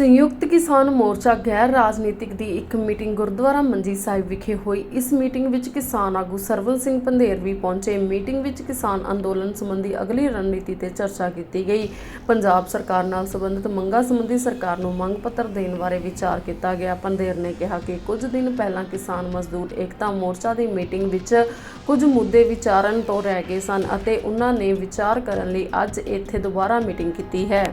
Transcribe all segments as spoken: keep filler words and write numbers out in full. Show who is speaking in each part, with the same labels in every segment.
Speaker 1: संयुक्त किसान मोर्चा गैर राजनीतिक दी एक मीटिंग गुरुद्वारा मंजी साहिब विखे हुई। इस मीटिंग विच किसान आगू सरवण सिंह पंधेर भी पहुंचे। मीटिंग विच किसान अंदोलन संबंधी अगली रणनीति ते चर्चा की गई। पंजाब सरकार नाल संबंधित मंगां संबंधी सरकार नूं मंग पत्र देण बारे विचार किया गया। पंधेर ने कहा कि कुछ दिन पहलां किसान मजदूर एकता मोर्चा की मीटिंग विच कुछ मुद्दे विचारन तो रह गए सन अते उन्हां ने विचार करन लई अज इत्थे दोबारा मीटिंग की है।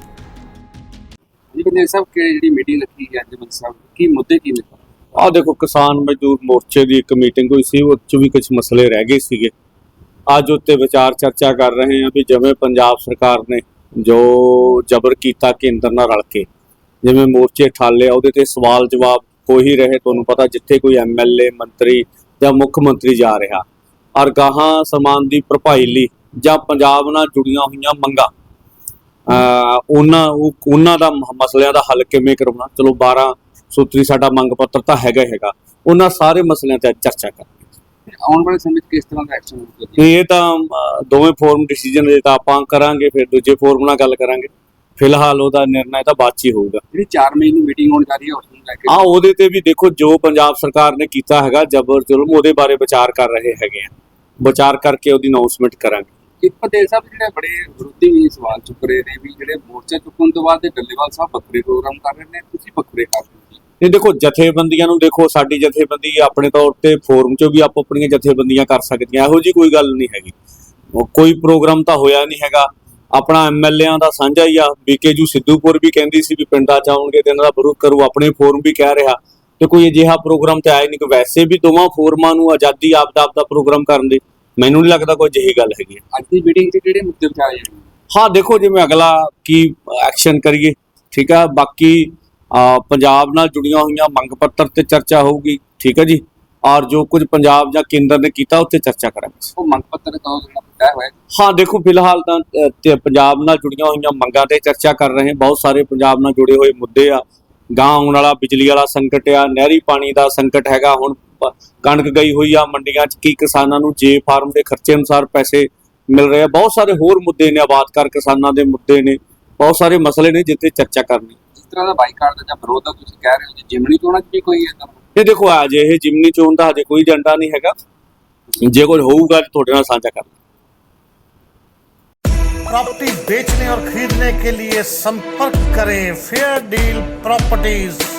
Speaker 2: साहब की मीटिंग रखी है साहब की मुद्दे की ने
Speaker 3: आ देखो किसान मजदूर मोर्चे की एक मीटिंग हुई सी, उस भी कुछ मसले रह गए सीगे। अज उत्ते विचार चर्चा कर रहे हैं भी जिवें पंजाब सरकार ने जो जबर किया केंद्र नाल रल के जिवें मोर्चे ठाले उहदे ते सवाल जवाब हो ही रहे। तुहानूं पता जिथे कोई एम एल ए मंत्री या मुख मंत्री जा रहा और गाहां समान की भरपाई लई जां पंजाब नाल जुड़ियां होईयां मंगां उन्हां दा मसलियां दा हल किवें करवाउणा। चलो बारह सूत्री साडा मंग पत्र तां हैगा हैगा उन्हां सारे मसलियां ते चर्चा करनी।
Speaker 2: आउण वाले समय किस तरह का एक्शन होगा?
Speaker 3: ये तां दोवें फोरम डिसीजन जे तां आपां करांगे, फिर दूजे फोरम नाल गल करांगे। फिलहाल उहदा निर्णय तां बाਅद 'च ही होਊਗਾ।
Speaker 2: ਜਿਹੜੀ चार मई ਨੂੰ मीटिंग होण जा रही है उसनूं ਲੈ ਕੇ
Speaker 3: हाँ ਉਹਦੇ ਤੇ ਵੀ देखो जो पंजाब सरकार ने कीता हैगा जबर जुल्म ਉਹਦੇ बारे विचार कर रहे हैगे आ। विचार करके ਉਹਦੀ अनाउंसमेंट करांगे।
Speaker 2: ਇੱਕ ਪਟੇਲ ਸਾਹਿਬ ਜਿਹੜੇ ਬੜੇ ਵਿਰੋਧੀ ਵੀ ਸਵਾਲ ਚੁੱਕ ਰਹੇ ਨੇ ਵੀ ਜਿਹੜੇ ਮੋਰਚਾ ਚੁੱਕਣ ਤੋਂ ਬਾਅਦ ਡੱਲੇਵਾਲ ਸਾਹਿਬ ਵੱਖਰੇ ਪ੍ਰੋਗਰਾਮ ਕਰ ਰਹੇ ਨੇ, ਤੁਸੀਂ ਵੱਖਰੇ ਕਰ ਰਹੇ ਹੋ।
Speaker 3: ਇਹ ਦੇਖੋ ਜਥੇਬੰਦੀਆਂ ਨੂੰ ਦੇਖੋ ਸਾਡੀ ਜਥੇਬੰਦੀ ਆਪਣੇ ਤੌਰ ਤੇ ਫੋਰਮ 'ਚੋਂ ਵੀ ਆਪੋ ਆਪਣੀਆਂ ਜਥੇਬੰਦੀਆਂ ਕਰ ਸਕਦੀਆਂ, ਇਹੋ ਜੀ ਕੋਈ ਗੱਲ ਨਹੀਂ ਹੈਗੀ। ਕੋਈ ਪ੍ਰੋਗਰਾਮ ਤਾਂ ਹੋਇਆ ਨਹੀਂ ਹੈਗਾ। ਆਪਣਾ ਐਮ ਐਲ ਏਆਂ ਦਾ ਸਾਂਝਾ ਹੀ ਆ। ਬੀਕੇਜੂ ਸਿੱਧੂਪੁਰ ਵੀ ਕਹਿੰਦੀ ਸੀ ਵੀ ਪਿੰਡਾਂ 'ਚ ਆਉਣਗੇ ਤੇ ਇਹਨਾਂ ਦਾ ਵਿਰੋਧ ਕਰੂ, ਆਪਣੇ ਫੋਰਮ ਵੀ ਕਹਿ ਰਿਹਾ ਤੇ ਕੋਈ ਅਜਿਹਾ ਪ੍ਰੋਗਰਾਮ ਤੇ ਆਇਆ ਨਹੀਂ ਕਿ ਵੈਸੇ ਵੀ ਦੋਵਾਂ ਫੋਰਮਾਂ ਨੂੰ ਆਜ਼ਾਦੀ ਆਪ ਦਾ ਆਪ ਦਾ ਪ੍ਰੋਗਰਾਮ ਕਰਨ ਦੀ ਮੈਨੂੰ ਨਹੀਂ ਲੱਗਦਾ ਕੋਈ ਅਜਿਹੀ ਗੱਲ ਹੈਗੀ।
Speaker 2: ਅੱਜ ਦੀ ਮੀਟਿੰਗ 'ਚ ਕਿਹੜੇ ਮੁੱਦੇ ਵਿਚਾਰੇ ਜਾਣਗੇ?
Speaker 3: हाँ देखो जिवें अगला की एक्शन करिए, ठीक है। बाकी पंजाब नाल जुड़ियां हुई मंग पत्र ते चर्चा होगी, ठीक है जी। और जो कुछ पंजाब या केंद्र ने किया उत्ते चर्चा करांगे।
Speaker 2: वो मंग पत्र का तय होया?
Speaker 3: हाँ देखो फिलहाल तो पंजाब नाल जुड़ियां हुई मंगां ते चर्चा कर रहे हैं। बहुत सारे पंजाब नाल जुड़े हुए मुद्दे आ। गांह आउण वाला बिजली वाला संकट आ, नहरी पानी का संकट हैगा। हुण कणक गई हुई आ मंडियां च, की किसानां नूं जे फार्म के खर्चे अनुसार पैसे मिल रहे हैं। बहुत सारे होर मुद्दे ने, आबाद कर किसानों के मुद्दे ने, बहुत सारे मसले ने जिते चर्चा करनी।
Speaker 2: इस तरह का बाईकाट का विरोध का तुसीं कह रहे हो, जिमनी चोणां च भी कोई है?
Speaker 3: ये देखो अजे ये जिमनी चोण का अजे कोई एजेंडा नहीं हैगा। जे कोई होऊगा तुहाडे नाल साझा कर।
Speaker 4: प्रॉपर्टी बेचने और खरीदने के लिए संपर्क करें फेयर डील प्रॉपर्टीज।